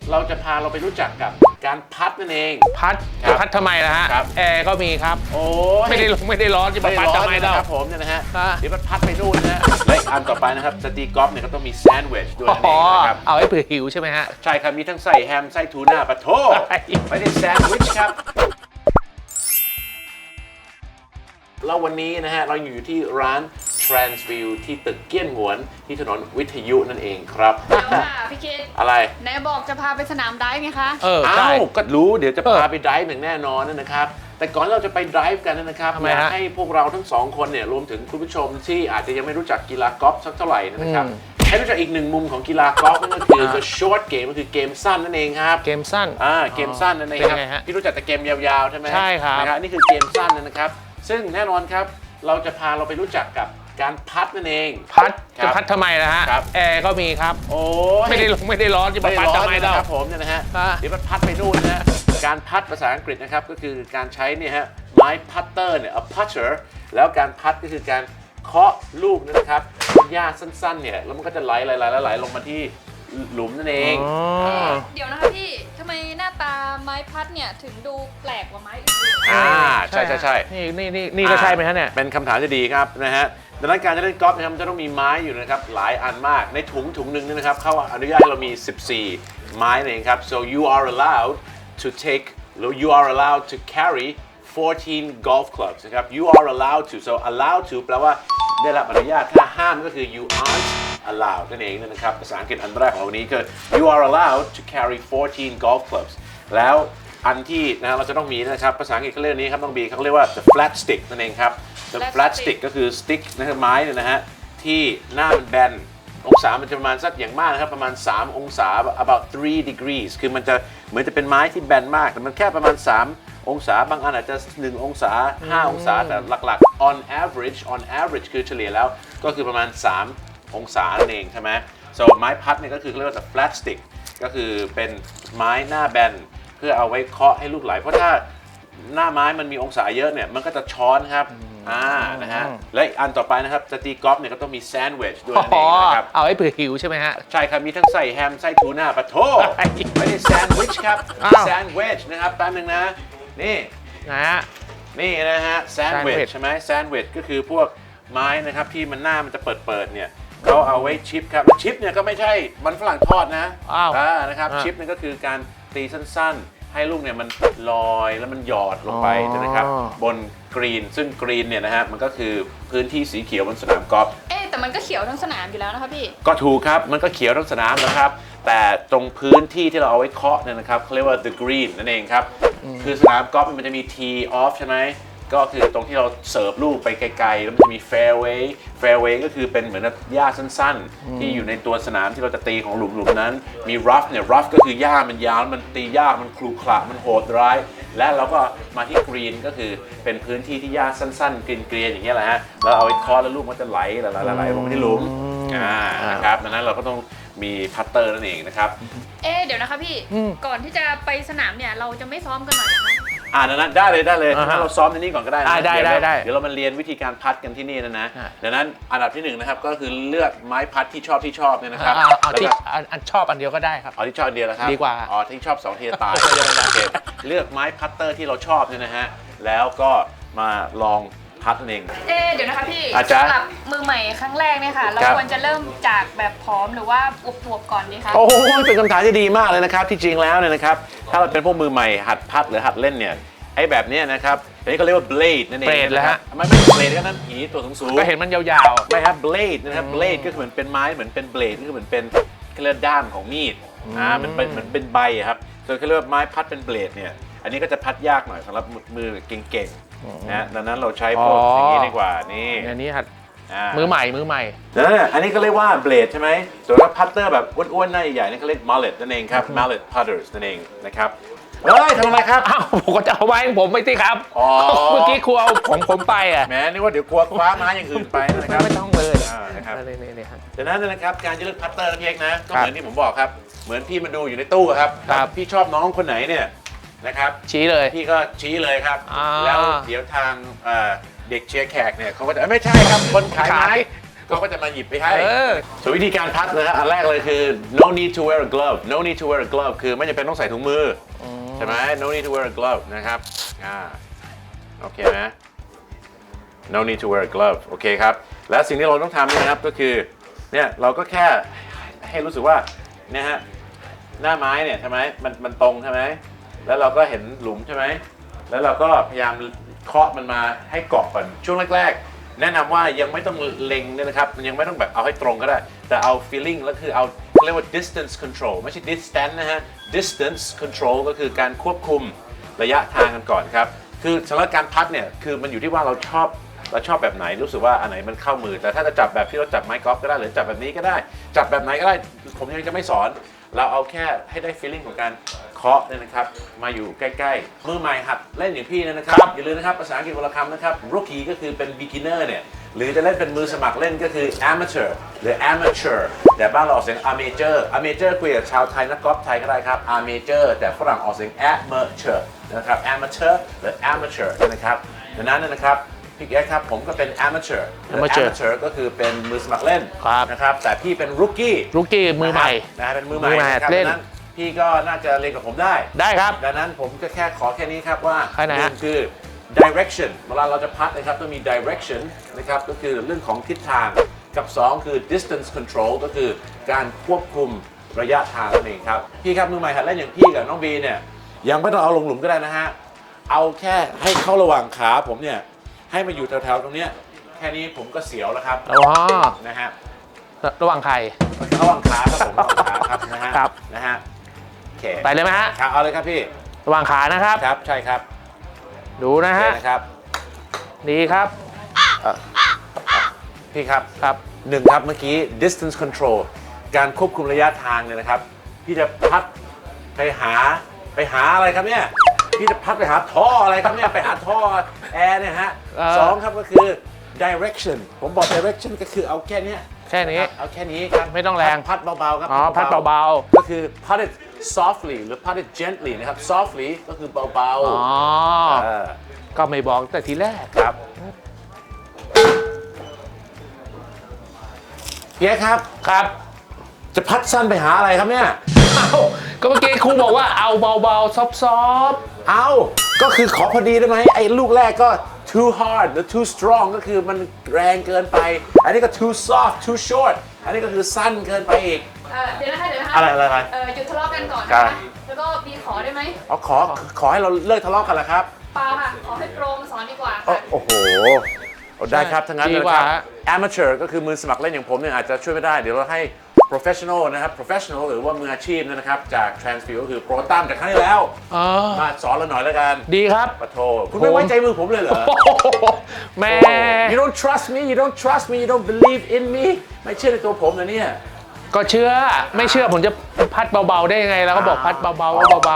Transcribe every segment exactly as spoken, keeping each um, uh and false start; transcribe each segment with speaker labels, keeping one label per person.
Speaker 1: เราจะพาเราไปรู้จักกับการพัดนั่นเอง
Speaker 2: พัดจะพัดทำไมล่ะฮะแอร์ก็มีครับ
Speaker 1: โอ้
Speaker 2: ไม่ได้ลงไม่ได้ร้อนจะมาพัดทำไมเล่า
Speaker 1: ครับผมเนี่ยนะฮะเดี๋ยวมันพัดไปนู่นนะฮะและอันต่อไปนะครับจะตีกอล์ฟเนี่ยก็ต้องมีแซนด์วิชด้วยนั่นเองนะครับ
Speaker 2: เอาให้เผื่อหิวใช่ไหมฮะ
Speaker 1: ใช่ครับมีทั้งไส้แฮมไส้ทูน่าปะโถไม่ได้แซนด์วิชครับแล้ววันนี้นะฮะเราอยู่ที่ร้าน Transview ที่ตึกเกี้ยนหงวนที่ถนนวิทยุนั่นเองครับ
Speaker 3: เดี๋ยวค่ะพี่คิด
Speaker 1: อะไร
Speaker 3: ไหนบอกจะพาไปสนามไดฟ์ไงคะ
Speaker 2: เออ
Speaker 1: อ้าวก็รู้เดี๋ยวจะพาไปไดฟ์อย่างแน่นอนนะครับแต่ก่อนเราจะไปไดฟ์กันนะครับอยากให้พวกเราทั้งสองคนเนี่ยรวมถึงคุณผู้ชมที่อาจจะยังไม่รู้จักกีฬากอล์ฟสักเท่าไหร่นะครับให้รู้จักอีกหนึ่งมุมของกีฬากอล์ฟนั่นก็คือ the short game ก็คือเกมสั้นนั่นเองครับ
Speaker 2: เกมสั้น
Speaker 1: อ่าเกมสั้นนั่นเองครับพี่รู้จักแต่เกมยาวๆใช่ไหม
Speaker 2: ใช่ครับ
Speaker 1: นะครับนี่คือเกมสั้นนะครับซึ่งแน่นอนครับเราจะพาเราไปรู้จักกับการพัดนั่นเอง
Speaker 2: พัดจะพัดทำไมล่ะฮะแอร์ก็มีครับ
Speaker 1: โอ้
Speaker 2: ไม่ได้ลงไม่ได้ร้อนจะมาพัดทำไมเล่า
Speaker 1: ครับผมเนี่ยนะฮะเดี๋ยวมันพัดไปนู่นนะฮะการพัดภาษาอังกฤษนะครับก็คือการใช้เนี่ยฮะไม้พัตเตอร์เนี่ย a putter แล้วการพัดก็คือการเคาะลูกนะครับหญ้าสั้นๆเนี่ยแล้วมันก็จะไหลไหลไหลไหลลงมาที่หลุมนั่นเอง
Speaker 3: เดี๋ยวนะคะพี่ทำไมหน้าตาไม้พัดเนี่ยถึงดูแปลกกว่าไม้อื่น
Speaker 1: อ่าใช่ใช่ใช่
Speaker 2: นี่นี่นี่นี่ก็ใช่ไหมฮะเนี่ย
Speaker 1: เป็นคำถามที่ดีครับนะฮะดังนั้นการจะเล่นกอล์ฟนะครับมันจะต้องมีไม้อยู่นะครับหลายอันมากในถุงถุงหนึ่งนี่นะครับเขาอนุญาตให้เรามีสิบสี่ไม้นั่นเองครับ so you are allowed to take you are allowed to carry fourteen golf clubs นะครับ you are allowed to so allowed to แปลว่าได้รับอนุญาตถ้าห้ามก็คือ you aren't allowed นั่นเองนะครับภาษาอังกฤษอันแรกของวันนี้คือ you are allowed to carry fourteen golf clubs แล้วอันที่นะเราจะต้องมีนะครับภาษาอังกฤษเขาเรียกนี้ครับต้องมีเขาเรียกว่า the flat stick นั่นเองครับ the flat stick ก็คือ stick นะครับไม้เนี่ยนะฮะที่หน้ามันแบนองศามันจะประมาณสักอย่างมากนะครับประมาณสามองศา about three degrees คือมันจะเหมือนจะเป็นไม้ที่แบนมากแต่มันแค่ประมาณสามองศาบางอันอาจจะหนึ่งองศาห้าองศาแต่หลักๆ on average on average คือเฉลี่ยแล้วก็คือประมาณสามองศานั่นเองใช่ไหม so ไม้พัดเนี่ยก็คือเรียกว่า flat stick ก็คือเป็นไม้หน้าแบนเพื่อเอาไว้เคาะให้ลูกไหลเพราะถ้าหน้าไม้มันมีองศาเยอะเนี่ยมันก็จะช้อนครับอ่านะฮะและอันต่อไปนะครับจะตีกอล์ฟเนี่ยก็ต้องมีแซนด์วิชด้วยนั่นเองนะครับ
Speaker 2: เอาให้เผื่อหิวใช่ไหมฮะ
Speaker 1: ใช่ครับมีทั้งไส้แฮมไส้ทูน่าปะโถไม่ได้แซนด์วิชครับแซนด์วิชนะครับแป๊บนึงนะนี่
Speaker 2: นะฮะ
Speaker 1: นี่นะฮะแซนด์วิชใช่ไหมแซนด์วิชก็คือพวกไม้นะครับที่มันหน้ามันจะเปิดเปิดเนี่ยเขาเอาไว้ชิปครับชิปเนี่ยก็ไม่ใช่มันฝรั่งทอดนะอ่านะครับชิปเนี่ยก็คือการตีสั้นๆให้ลูกเนี่ยมันลอยแล้วมันหยอดลงไปนะครับบนกรีนซึ่งกรีนเนี่ยนะฮะมันก็คือพื้นที่สีเขียวบนสนามกอล์ฟ
Speaker 3: เอ๊แต่มันก็เขียวทั้งสนามอยู่แล้วนะคะพี่
Speaker 1: ก็ถูกครับมันก็เขียวทั้งสนามนะครับแต่ตรงพื้นที่ที่เราเอาไว้เคาะเนี่ยนะครับเขาเรียกว่า the green นั่นเองครับคือสนามกอล์ฟมันจะมี tee off ใช่ไหมก็คือตรงที่เราเสิร์ฟลูกไปไกลๆแล้วมันจะมี fairway fairway ก็คือเป็นเหมือนหญ้าสั้นๆที่อยู่ในตัวสนามที่เราจะตีของหลุมๆนั้นมี rough เนี่ย rough ก็คือหญ้ามันยาวมันตียากมันครุขระมันโหดร้ายและเราก็มาที่ green ก็คือเป็นพื้นที่ที่หญ้าสั้นๆเกรียนๆอย่างเงี้ยแหละฮะแล้วเอาไว้เคาะแล้วลูกมันจะไหลไหลๆลงที่หลุมอ่านะครับดังนั้นเราก็ต้องมีพัตเตอร์นั่นเองนะครับ
Speaker 3: เอ๊เดี๋ยวนะคะพี่ก่อนที่จะไปสนามเนี่ยเราจะไม่ซ้อมกันหน่อยนะคะ
Speaker 1: อ่านั้นได้เลยได้เลยถ้าเราซ้อมในนี้ก่อนก็ได้
Speaker 2: ได้ได้ได้
Speaker 1: เดี๋ยวเรามาเรียนวิธีการพัดกันที่นี่นะนะดังนั้นอันดับที่หนึ่งนะครับก็คือเลือกไม้พัดที่ชอบที่ชอบเนี่ยนะครับ
Speaker 2: เอาที่อันชอบอันเดียวก็ได้ครับ
Speaker 1: เอาที่ชอบอันเดียวนะครับ
Speaker 2: ดีกว่า
Speaker 1: อ๋อที่ชอบสองทีตายเลือกไม้พัตเตอร์ที่เราชอบเนี่ยนะฮะแล้วก็มาลองพัดเอง
Speaker 3: เอ๊เดี๋ยวนะคะพี่สำหรับมือใหม่ครั้งแรกเนี่ยค่ะเราควรจะเริ่มจากแบบผอมหรือว่าอวบๆก่อนดีคะ
Speaker 1: โอ้โหเป็นคำถามที่ดีมากเลยนะครับที่จริงแล้วเนี่ยนะครับถ้าเราเป็นพวกมือใหม่หัดพัดหรือหัดเล่นเนี่ยไอ้แบบนี้นะครับอันนี้เขาเรียกว่า blade นั่นเอง
Speaker 2: blade แล้วฮะ
Speaker 1: ไม่ไม่ blade ก็นั่นผีตัวสูงๆ
Speaker 2: ก็เห็นมันยาว
Speaker 1: ๆไม่ครับ blade นะครับ blade ก็คือเหมือนเป็นไม้เหมือนเป็น blade ก็คือเหมือนเป็นเขาเรียกด้ามของมีดอ่ามันเป็นเหมือนเป็นใบครับส่วนเขาเรียกว่าไม้พัดเป็น blade เนี่ยอันนี้ก็จะพัดยากหน่อยสำหรับมือเก่งๆนะดังนั้นเราใช้พวกอย่างนี้ดีกว่านี่
Speaker 2: อันนี้หัดมือใหม่มือใหม่
Speaker 1: นั่นอันนี้ก็เรียกว่า blade ใช่ไหมส่วนถ้าพัตเตอร์แบบอ้วนๆหน้าใหญ่ๆนี่เขาเรียก mallet นั่นเองครับ mallet putters นั่นเองนะครับเฮ้ยทำอะไรครับ
Speaker 2: อ้าวผมก็จะเอาไว้ผมไม่ตีครับเมื่อกี้ครูเอาของผมไปอ่ะ
Speaker 1: แหมนึกว่าเดี๋ยวกลัวคว้าไม้อย่างอื่นไปนะครับ
Speaker 2: ไม่ต้องเลย
Speaker 1: นะครับนี่ๆครับดังนั้นนะครับการจะเลือกพัตเตอร์เพียงนะก็เหมือนที่ผมบอกครับเหมือนพี่มาดูอยู่ในตู้ครับพี่ชอบน้องคนไหนเนี่ยนะครับ
Speaker 2: ชี้เลย
Speaker 1: พี่ก็ชี้เลยครับแล้วเดี๋ยวทางเด็กเชียร์แขกเนี่ยเขาก็จะไม่ใช่ครับคนขายไม้เขาก็จะมาหยิบไปให้
Speaker 2: เออ
Speaker 1: ส่วนวิธีการพัดนะฮะอันแรกเลยคือ no need to wear a glove no need to wear a glove คือไม่จำเป็นต้องใส่ถุงมืออใช่ไหม no need to wear a glove นะครับอ่าโอเคไหม no need to wear a glove โอเคครับและสิ่งที่เราต้องทำเนี่ยนะครับก็คือเนี่ยเราก็แค่ให้รู้สึกว่าเนี่ยฮะหน้าไม้เนี่ยใช่ไหมมันมันตรงใช่ไหมแล้วเราก็เห็นหลุมใช่ไหมแล้วเราก็พยายามเคาะมันมาให้เกาะก่อนช่วงแรกๆแนะนำว่ายังไม่ต้องเล็งเนี่ยนะครับมันยังไม่ต้องแบบเอาให้ตรงก็ได้แต่เอา feeling แล้วคือเอาเรียกว่า distance control ไม่ใช่ distance นะฮะ distance control ก็คือการควบคุมระยะทางกันก่อนครับคือสำหรับการพัดเนี่ยคือมันอยู่ที่ว่าเราชอบเราชอบแบบไหนรู้สึกว่าอันไหนมันเข้ามือแต่ถ้าจะจับแบบที่เราจับไม้กอล์ฟก็ได้หรือจับแบบนี้ก็ได้จับแบบไหนก็ได้ผมยังจะไม่สอนเราเอาแค่ให้ได้ feeling ของการเคาะเนี่ยนะครับมาอยู่ใกล้ๆมือใหม่หัดเล่นอย่างพี่เนี่ยนะครับอย่าลืมนะครับภาษาอังกฤษวรรณคำนะครับ rookie ก็คือเป็น beginner เนี่ยหรือจะเล่นเป็นมือสมัครเล่นก็คือ amateur หรือ amateur แต่บ้านเราออกเสียง amateur amateur คุยกับชาวไทยนักกอล์ฟไทยก็ได้ครับ amateur แต่ฝรั่งออกเสียง amateur นะครับ amateur หรือ amateur นะครับดังนั้นนะครับพี่แอ๊ครับผมก็เป็น amateur
Speaker 2: amateur
Speaker 1: amateur ก็คือเป็นมือสมัครเล่น
Speaker 2: ครับ
Speaker 1: นะครับแต่พี่เป็น rookie
Speaker 2: ลูกกี้มือใหม่
Speaker 1: นะฮะเป็นมือใหม่
Speaker 2: มือใหม่
Speaker 1: นะครับ
Speaker 2: เล่น
Speaker 1: ดังนั้นพี่ก็น่าจะเรียนกับผมได้
Speaker 2: ได้ครับ
Speaker 1: ดังนั้นผมก็แค่ขอแค่นี้ครับว่า
Speaker 2: แค่ไหน
Speaker 1: ห
Speaker 2: ฮะ
Speaker 1: นึ่งคือ direction เวลาเราจะพัดนะครับต้องมี direction นะครับก็คือเรื่องของทิศทางกับสองคือ distance control ก็คือการควบคุมระยะทางนั่นเองครับพี่ครับมือใหม่หัดเล่นอย่างพี่กับน้องบีเนี่ยยังไม่ต้องเอาลงหลุมก็ได้นะฮะเอาแค่ให้เข้าระหว่างขาผมเนี่ยให้มาอยู่แถวๆตรงเนี้ยแค่นี้ผมก็เสียวแล้วครับ
Speaker 2: อ๋อ
Speaker 1: นะฮะ
Speaker 2: ระหว่างใคร
Speaker 1: ระหว่างขาครับผมระหว่างขาครับนะฮะ
Speaker 2: ครับ
Speaker 1: นะฮะโอเค
Speaker 2: ไปเลยไหมฮะ
Speaker 1: ครับเอาเลยครับพี่
Speaker 2: ระหว่างขานะครับ
Speaker 1: ครับใช่ครับ
Speaker 2: ดูนะ
Speaker 1: โอเค
Speaker 2: ฮะ
Speaker 1: นะครับ
Speaker 2: ดีครับ
Speaker 1: พี่ครับ
Speaker 2: ครับ
Speaker 1: หนึ่งครับเมื่อกี้ distance control การควบคุมระยะทางเนี่ยนะครับพี่จะพัดไปหาไปหาอะไรครับเนี่ยพี่จะพัดไปหาท่ออะไรครับเนี่ยไปหาท่อแอร์เนี่ยฮะ
Speaker 2: เอ่อ
Speaker 1: สองครับก็คือ direction ผมบอก direction ก็คือเอาแค่เนี้ย
Speaker 2: แค่นี้
Speaker 1: ะรับเอาแค่นี้ครับ
Speaker 2: ไม่ต้องแรง
Speaker 1: พัดเบาๆครับ
Speaker 2: อ๋อพัดเบา
Speaker 1: ก็คือ pat it softly หรือ pat it gently นะครับ softly ก็คือเบา
Speaker 2: ๆ อ๋อ
Speaker 1: ๆเออ
Speaker 2: ก็ไม่บอกแต่ทีแรก
Speaker 1: ครับเพียครับ
Speaker 2: ครับ
Speaker 1: จะพัดสั้นไปหาอะไรครับเนี่ย
Speaker 2: เอ้าก็เมื่อกี้ครูบอกว่าเอาเบาๆ ซอฟต์
Speaker 1: เอาก็คือขอพอดีได้ไหมไอ้ลูกแรกก็ too hard หรือ too strong ก็คือมันแรงเกินไป อันนี้ก็ too soft too short อันนี้ก็คือสั้นเกินไปอีก
Speaker 3: เออเดี๋ยวนะคะเดี๋ยวนะคะ
Speaker 1: อะไรอะไรอะไร
Speaker 3: เออหยุดทะเลาะกันก่อน
Speaker 1: ครั
Speaker 3: นะ
Speaker 1: บ
Speaker 3: คะแล้วก็บีขอได้ไหม
Speaker 1: เอาขอขอให้เราเลิกทะเลาะกันเหรอครับ
Speaker 3: เปล่าค่ะ ขอให้โปรมาสอนดีกว่า
Speaker 1: โอ้
Speaker 3: ค่ะ
Speaker 1: โอ้โหเอาได้ครับทั้งนั้น
Speaker 2: ดี
Speaker 1: เลย
Speaker 2: ก
Speaker 1: ค
Speaker 2: ว่า
Speaker 1: รับ amateur ก็คือมือสมัครเล่นอย่างผมเนี่ยอาจจะช่วยไม่ได้ เดี๋ยวเราให้ professional นะครับ professional หรือว่ามืออาชีพนะครับจาก Transfield ก็คือโปรตั้มจากครั้งที่แล้ว
Speaker 2: อ๋อ
Speaker 1: มาสอนเราหน่อยแล้วกัน
Speaker 2: ดีครับ
Speaker 1: ปะโทคุณไม่ไว้ใจมือผมเลยเหรอ
Speaker 2: โอ้โหแม่
Speaker 1: You don't trust me you don't trust me you don't believe in me ไม่เชื่อในตัวผมนะเนี่ย
Speaker 2: ก็เชื่อ ไม่เชื่อผมจะพัดเบาๆได้ยังไง แล้วก็บอกพัดเบาๆก็เบา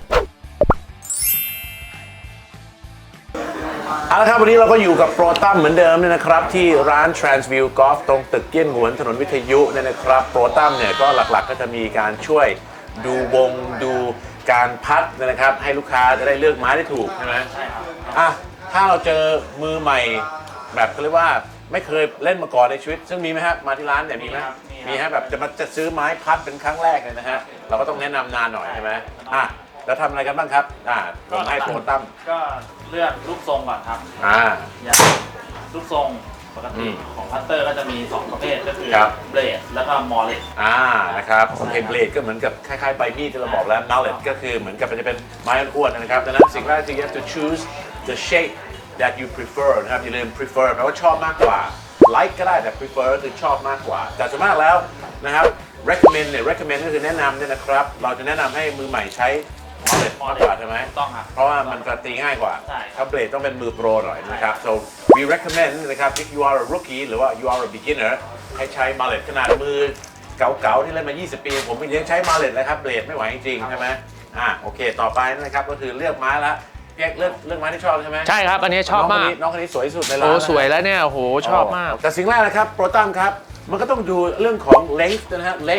Speaker 1: เอาละครับวันนี้เราก็อยู่กับโปรตั้มเหมือนเดิมเนี่ยนะครับที่ร้าน Transview Golf ตรงตึกเกี้ยนหวนถนนวิทยุเนี่ยนะครับโปรตั้มเนี่ยก็หลักๆก็จะมีการช่วยดูวงดูการพัดเนยนะครับให้ลูกค้าจะได้เลือกไม้ได้ถูกใช่ไหมใช่ครับอ่ะถ้าเราเจอมือใหม่แบบเขาเรียกว่าไม่เคยเล่นมาก่อนในชีวิต ซึ่งมีไหมครับมาที่ร้านเนี่ยมีไหมมีฮะแบบจะมาจะซื้อไม้พัดเป็นครั้งแรกเลยนะฮะเราก็ต้องแนะนำนานหน่อยใช่ไหมอ่ะแล้วทำอะไรกันบ้างครับอ่ะผมให้โปรตั้ม
Speaker 4: ก็เลือกลูกทรงก่อนครับ
Speaker 1: อ่า
Speaker 4: อย่างลูกทรงปก
Speaker 1: อื
Speaker 4: ติ
Speaker 1: ม
Speaker 4: ของพัตเตอร์ก็จะมีสองประเภทก็คือ
Speaker 1: ครับ
Speaker 4: เบลดแล้วก็มอลเลต
Speaker 1: อ่านะครับโอเคเบลดก็เหมือนกับคล้ายๆใบมีดที่เราบอกแล้ว mallet ก็คือเหมือนกับมันจะเป็นไม้อ้วนๆนะครับดังนั้นสิ่งแรกคือ you have to choose the shape that you prefer นะครับอย่าลืม prefer แปลว่าชอบมากกว่า like ก็ได้แต่ prefer ก็คือชอบมากกว่าแต่ส่วนมากแล้วนะครับ recommend เนี่ย recommend ก็คือแนะนำเนี่ยนะครับเราจะแนะนำให้มือใหม่ใช้ mallet มากกว่าใช่ไหม
Speaker 4: ต้องครับ
Speaker 1: เพราะว่ามันจะตีง่ายกว่า
Speaker 4: ใช่
Speaker 1: ถ้าเบลดต้องเป็นมือโปรหน่อยนะครับ so we recommend นะครับ if you are a rookie หรือว่า you are a beginner ให้ใช้ mallet ขนาดมือเก่าๆที่เล่นมา ยี่สิบ ปี ผมยังใช้ mallet เลยครับเบลดไม่ไหวจริงๆใช่ไหมอ่ะโอเคต่อไปนะครับก็คือเลือกไม้ละพี่แอ๊กเลือกเลือกไม้ที่ชอบใช่ไหม
Speaker 2: ๆ ใช่ครับ อันนี้ชอบมาก
Speaker 1: น้องคนนี้น้องคนนี้สวยที่สุดในร้าน
Speaker 2: โอ้
Speaker 1: นะ
Speaker 2: สวยแล้วเนี่ย โอ้โห ชอบมาก
Speaker 1: แต่สิ่งแรกนะครับโปรตัมครับมันก็ต้องดูเรื่องของ length นะฮะ length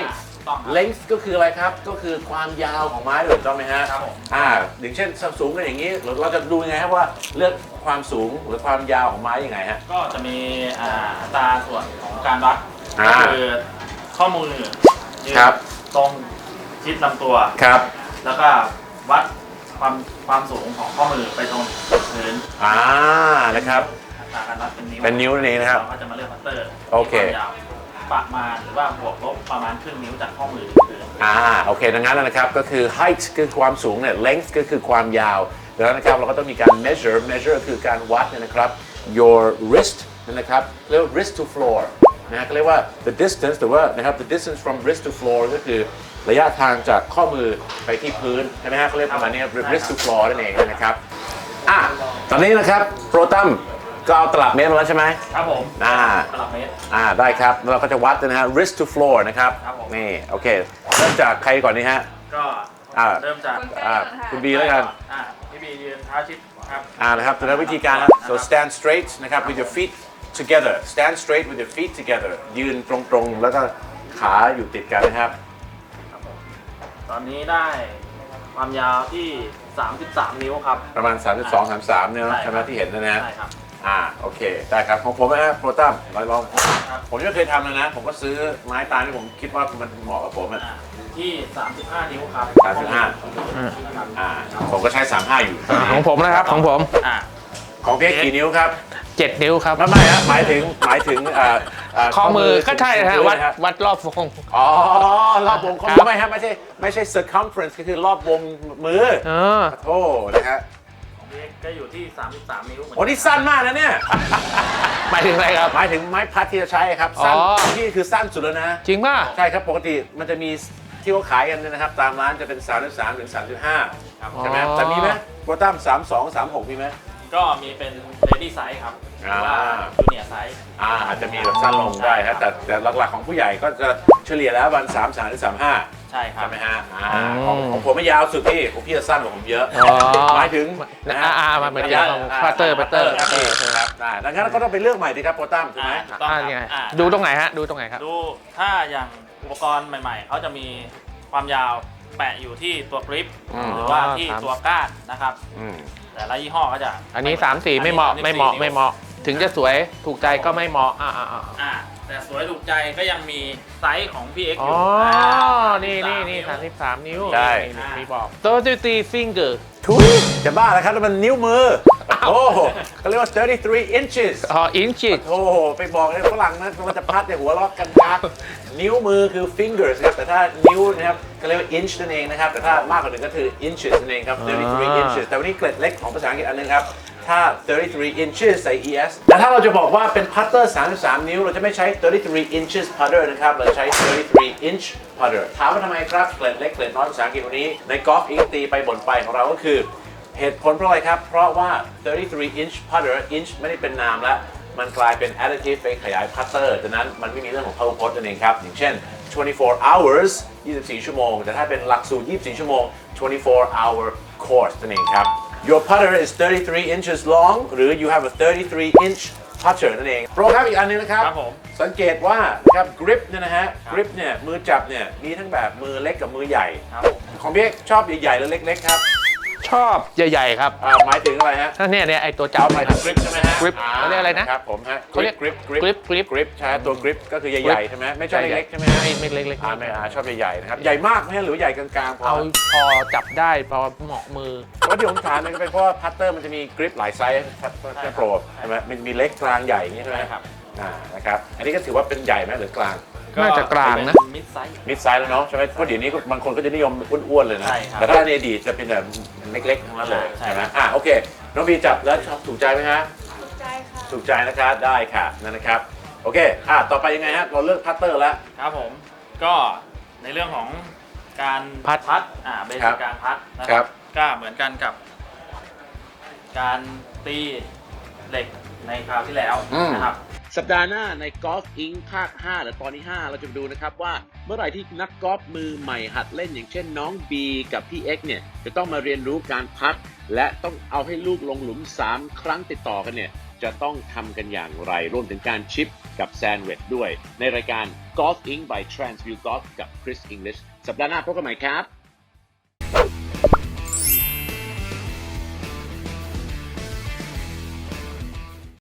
Speaker 4: ต้องครับ
Speaker 1: length ก็คืออะไรครับก็คือความยาวของไม้ถูกต้องไหมฮะ
Speaker 4: ครับผม
Speaker 1: อ่าอย่างเช่นสูงกันอย่างนี้เราจะดูยังไงครับว่าเลือกความสูงหรือความยาวของไม้ยังไงฮะ
Speaker 4: ก็จะมีอ่าอัตราส่วนของการวัด
Speaker 1: อ่า
Speaker 4: ก็คือข้อมือยืน
Speaker 1: ครับ
Speaker 4: ตรงชิดลำตัว
Speaker 1: ครับ
Speaker 4: แล้วก็วัดความความสูงของข้อมือไปตรงพื้น
Speaker 1: อ่านะครับ
Speaker 4: อัตราการวัดเป็นนิ้ว
Speaker 1: เป็นนิ้วนั่นเองนะครับ
Speaker 4: เราก็จะมาเลือกพัตเตอร์
Speaker 1: โอเค
Speaker 4: ที่วามยาวประมาณหรือว่าบวกลบประมาณครึ่งนิ้วจากข้อมือถึงพื้น
Speaker 1: อ่าโอเคดังนั้นนะครับก็คือ height คือความสูงเนี่ย length ก็คือความยาวแล้วนะครับเราก็ต้องมีการ measure measure คือการวัดเนยนะครับ your wrist นะครับเรียกว่า wrist to floor นะฮะก็เรียกว่า the distance หรือว่านะครับ the distance from wrist to floor ก็คือระยะทางจากข้อมือไปที่พื้นใช่ไหมฮะเขาเรียกประมาณนี้ wrist to floor นั่นเองนะครับอ่ะตอนนี้นะครับโปรตัมก็เอาตลับเมตรมาแล้วใช่ไหม
Speaker 4: ครับผม
Speaker 1: อ่า
Speaker 4: ตลับเมตร
Speaker 1: อ่าได้ครับแล้วเราก็จะวัดนะฮะ wrist to floor นะครับ
Speaker 4: ครับผม
Speaker 1: นี่โอเคเริ่มจากใครก่อนนี่ฮะ
Speaker 4: ก็
Speaker 1: อ่า
Speaker 4: เริ่มจาก
Speaker 3: คุณแป้
Speaker 1: อ่าง
Speaker 3: ค่ะ
Speaker 1: คุณบีแล้วกัน
Speaker 4: อ่าพี่บียืนเท้าชิดครับ
Speaker 1: อ่านะครับตัวนั้นวิธีการครับ so stand straight นะครับ with your feet together stand straight with your feet together ยืนตรงๆแล้วก็ขาอยู่ติดกันนะครับ
Speaker 4: ตอนนี้ได้ความยาวที่ สามสิบสาม นิ้วครับ
Speaker 1: ประมาณ สามสิบสอง สามสิบสามเนี่ยเนอะ
Speaker 4: ใช่
Speaker 1: ใช่ไหมที่เห็นนะนะ
Speaker 4: ใช่ครับ
Speaker 1: อ่าโอเคได้ครับของผมนะฮะโปรตัมลองลอง
Speaker 4: ครับ
Speaker 1: ผมยังไม่เคยทำเลยนะ ผมก็ซื้อไม้ตาลที่ผมคิดว่ามันเหมาะกับผมอ่ะ
Speaker 4: อ่าที่ สามสิบห้า นิ้วครับ
Speaker 1: สามสิบห้า
Speaker 4: ครับ
Speaker 1: อ่าผมก็ใช้ สามสิบห้า อยู่
Speaker 2: อ่าของผมนะครับของผม
Speaker 4: อ่า
Speaker 1: ของพี่กี่นิ้วครับ
Speaker 2: เจ็ดนิ้วครับ
Speaker 1: ไม่ไม่ฮะหมายถึงหมายถึงเอ่อเ
Speaker 2: ข้อมือก็ใช่ฮะ
Speaker 1: ถึง
Speaker 2: วัด
Speaker 1: พื้นนะฮะ
Speaker 2: วัดรอบวง
Speaker 1: อ๋อรอบวงข้อ
Speaker 2: ครั
Speaker 1: มือบ ไม่ฮะไม่ใช่ไม่ใช่ circumference ก็คือรอบวงมือ
Speaker 2: เออ
Speaker 1: โอ้นะฮะ
Speaker 4: ของพี่เอ็กซ์ก็อยู่ที่ สามสิบสาม นิ้วเหมือน
Speaker 1: โอ้นี่สั้นมากนะเนี่ย
Speaker 2: หมายถึงอะไรครับ
Speaker 1: หมายถึงไม้พัดที่จะใช้ครับสั้น
Speaker 2: อ๋อ
Speaker 1: ที่คือสั้นสุดแล้วนะ
Speaker 2: จริงป่ะ
Speaker 1: ใช่ครับปกติมันจะมีที่เขาขายกันเนยนะครับ ตามร้านจะเป็น สามสิบสาม ถึง สามสิบห้า
Speaker 4: ครับ
Speaker 1: ใช่ไหม
Speaker 2: อ๋อ
Speaker 1: แต่มีไหมโปรตัมสามสอง สามหกมีไหม
Speaker 4: ก็มีเป็น lady size ครับหรือว่า
Speaker 1: อ่า
Speaker 4: junior size
Speaker 1: อ่าอาจจะมีแบบสั้นลงได้ครับแต่แต่หลักๆของผู้ใหญ่ก็จะเฉลี่ยแล้ววันสามสามถึงสามห้า
Speaker 4: ใช่ครั
Speaker 1: ใช่
Speaker 4: บ
Speaker 1: ไหมฮะอ่าของของผมไม่ยาวสุดพี่ของพี่จะสั้นกว่าผมเยอะ
Speaker 2: อ๋อ
Speaker 1: หมายถึงนะฮะ
Speaker 2: อ่าอ่ามาเหมือนกันพัตเตอร์พัตเตอร์
Speaker 1: ครับพี่ครับอ่าดังนั้นก็ต้องไปเลือกใหม่ดีครับโปรตัมถูกไหม
Speaker 4: อ่าถูกต้อง
Speaker 2: อ่า
Speaker 4: ครับ
Speaker 2: ไง
Speaker 4: อ่า
Speaker 2: ดูตรงไหนฮะ ดูตรงไหนครับ
Speaker 4: ดูถ้าอย่างอุปกรณ์ใหม่ๆ เขาจะมีความยาวแปะอยู่ที่ตัวกริป
Speaker 1: อืม
Speaker 4: หรือว่าที่
Speaker 2: ครับ
Speaker 4: ตัวก้านนะครับ
Speaker 1: อืม
Speaker 4: แต่ละยี่ห้อก็จะ
Speaker 2: อันนี้สามสี่ไม่เหมาะไม่เหมาะไม่เหมาะ ถึงจะสวยถูกใจก็ไม่เหมาะอ่าอ่าอ่า
Speaker 4: อ่าแต่สวยถูกใจก็ยังมีไซส์ของพี่เอ็กซ์
Speaker 2: อ๋
Speaker 4: อ
Speaker 2: อยู่
Speaker 4: า
Speaker 2: นี่นี่นี่
Speaker 4: สาม
Speaker 2: สามสิบสามนิ้ว
Speaker 1: ใช่
Speaker 2: นี่มีบอก thirty-three finger
Speaker 1: ทุยจะบ้าแล้วครับแล้วมันนิ้วมือ โอ้โหเขาเรียกว่า thirty-three inches
Speaker 2: อ๋อ inches
Speaker 1: โอ้โหไปบอกเลยฝรั่งนะมันจะพัดในยหัวล็อกกันยักนิ้วมือคือ fingers ครับแต่ถ้านิ้วนะครับก็เรียกว่า inch นั่นเองนะครับแต่ถ้ามากกว่าหนึ่งก็คือ inches นั่นเองครับ thirty-three
Speaker 2: อ่า
Speaker 1: inches แต่วันนี้เกร็ดเล็กของภาษาอังกฤษอันนึงครับถ้า thirty-three inches ใส่ es แต่ถ้าเราจะบอกว่าเป็นพัตเตอร์สามสิบสามนิ้วเราจะไม่ใช้ thirty-three inches putter นะครับเราใช้ thirty-three inch putter ถามว่าทำไมครับเกร็ดเล็กเกร็ดน้อยภาษาอังกฤษวันนี้ในกอล์ฟอิงตีไปบ่นไปของเราก็คือ เหตุผลเพราะอะไรครับ เพราะว่า thirty-three inch putter inch ไม่ได้เป็นนามแล้ว มันกลายเป็น additive ไปขยายพัตเตอร์ดังนั้นมันไม่มีเรื่องของพหุพจน์นั่นเองครับ อย่างเช่น twenty-four hours ยี่สิบสี่ ชั่วโมง แต่ถ้าเป็นหลักสูตร ยี่สิบสี่ ชั่วโมง twenty-four hour course นั่นเองครับ your putter is thirty-three inches long หรือ you have a thirty-three inch putter นั่นเองโปรครับอีกอันนึงนะครับ
Speaker 4: ครับผม
Speaker 1: สังเกตว่านะครับ grip เนี่ยนะฮะ grip เนี่ยมือจับเนี่ยมีทั้งแบบมือเล็กกับมือใหญ่
Speaker 4: ครับผม
Speaker 1: ของพี่เอกชอบใหญ่ๆหรือเล็กๆครับ
Speaker 2: ชอบใหญ่ๆครับ
Speaker 1: อ่าหมายถึงอะไรฮะ
Speaker 2: ถ้าเนี่ยเนี่ยไอตัวจั
Speaker 1: เอา
Speaker 2: บ
Speaker 1: หมายถึง grip ใช่ไหมฮะ
Speaker 2: grip เขาเรียกอะไรนะ
Speaker 1: ครับผมฮะ
Speaker 2: เขาเรียก
Speaker 1: grip grip
Speaker 2: grip grip
Speaker 1: grip ใช่ตัว grip ก็คือใหญ่ๆใช่ไหมไม่ใช่เล็กๆใช่ไหมฮะ
Speaker 2: ไม่ไม่เล็กๆ
Speaker 1: อ่าไม่อ่าชอบใหญ่ๆนะครับใหญ่มากไหมฮะหรือใหญ่กลางๆพอ
Speaker 2: เอาพอจับได้พอเหมาะมือ
Speaker 1: เพราะที่ผมถามเนี่ยก็เป็นเพราะว่าพัตเตอร์มันจะมี grip หลายไซส์พัตเตอร์โปรใช่ไหมมันมีเล็กกลางใหญ่อย่างนี้ใช่ไหม
Speaker 4: ใช่ครับ
Speaker 1: อ่านะครับอันนี้ก็ถือว่าเป็นใหญ่ไหมหรือกลาง
Speaker 2: น่าจะกลางนะ
Speaker 4: มิดไซส์
Speaker 1: มิดไซส์แล้วเนาะใช่ไหมเพราะเดี๋ยวนี้ก็บางคนก็จะนิยมอ้วนๆเลยนะ
Speaker 4: ใช่ครับ
Speaker 1: แต่ถ้าในอดีตจะเป็นแบบเล็กๆทั้งนั้นเลย
Speaker 4: ใช่
Speaker 1: ใช่ไหมอ่าโอเคน้องบีจับแล้วชอบถูกใจไหมฮะ
Speaker 3: ถูกใจค่ะ
Speaker 1: ถูกใจนะครับได้ค่ะนั่นนะครับโอเคอ่ะต่อไปยังไงฮะเราเลือกพัตเตอร์แล้ว
Speaker 4: ครับผมก็ในเรื่องของการ
Speaker 2: พัด
Speaker 4: พัดอ่าเบ
Speaker 1: ครั
Speaker 4: สิก
Speaker 1: บ
Speaker 4: การพัดนะ
Speaker 1: ค
Speaker 4: ค
Speaker 1: รั
Speaker 4: รับ บก็เหมือนกันกับ การตีเหล็กในคราวที่แล้วนะครับ
Speaker 1: สัปดาห์หน้าในกอล์ฟอิงภาคห้าหรือตอนที่ห้าเราจะไปดูนะครับว่าเมื่อไหร่ที่นักกอล์ฟมือใหม่หัดเล่นอย่างเช่นน้องบีกับพี่เอ็กซ์เนี่ยจะต้องมาเรียนรู้การพัดและต้องเอาให้ลูกลงหลุมสามครั้งติดต่อกันเนี่ยจะต้องทำกันอย่างไร รวมถึงการชิปกับแซนด์วิชด้วย ในรายการ Golf Inc by Transview Golf กับ Chris English สัปดาห์หน้าพบกันใหม่ครับ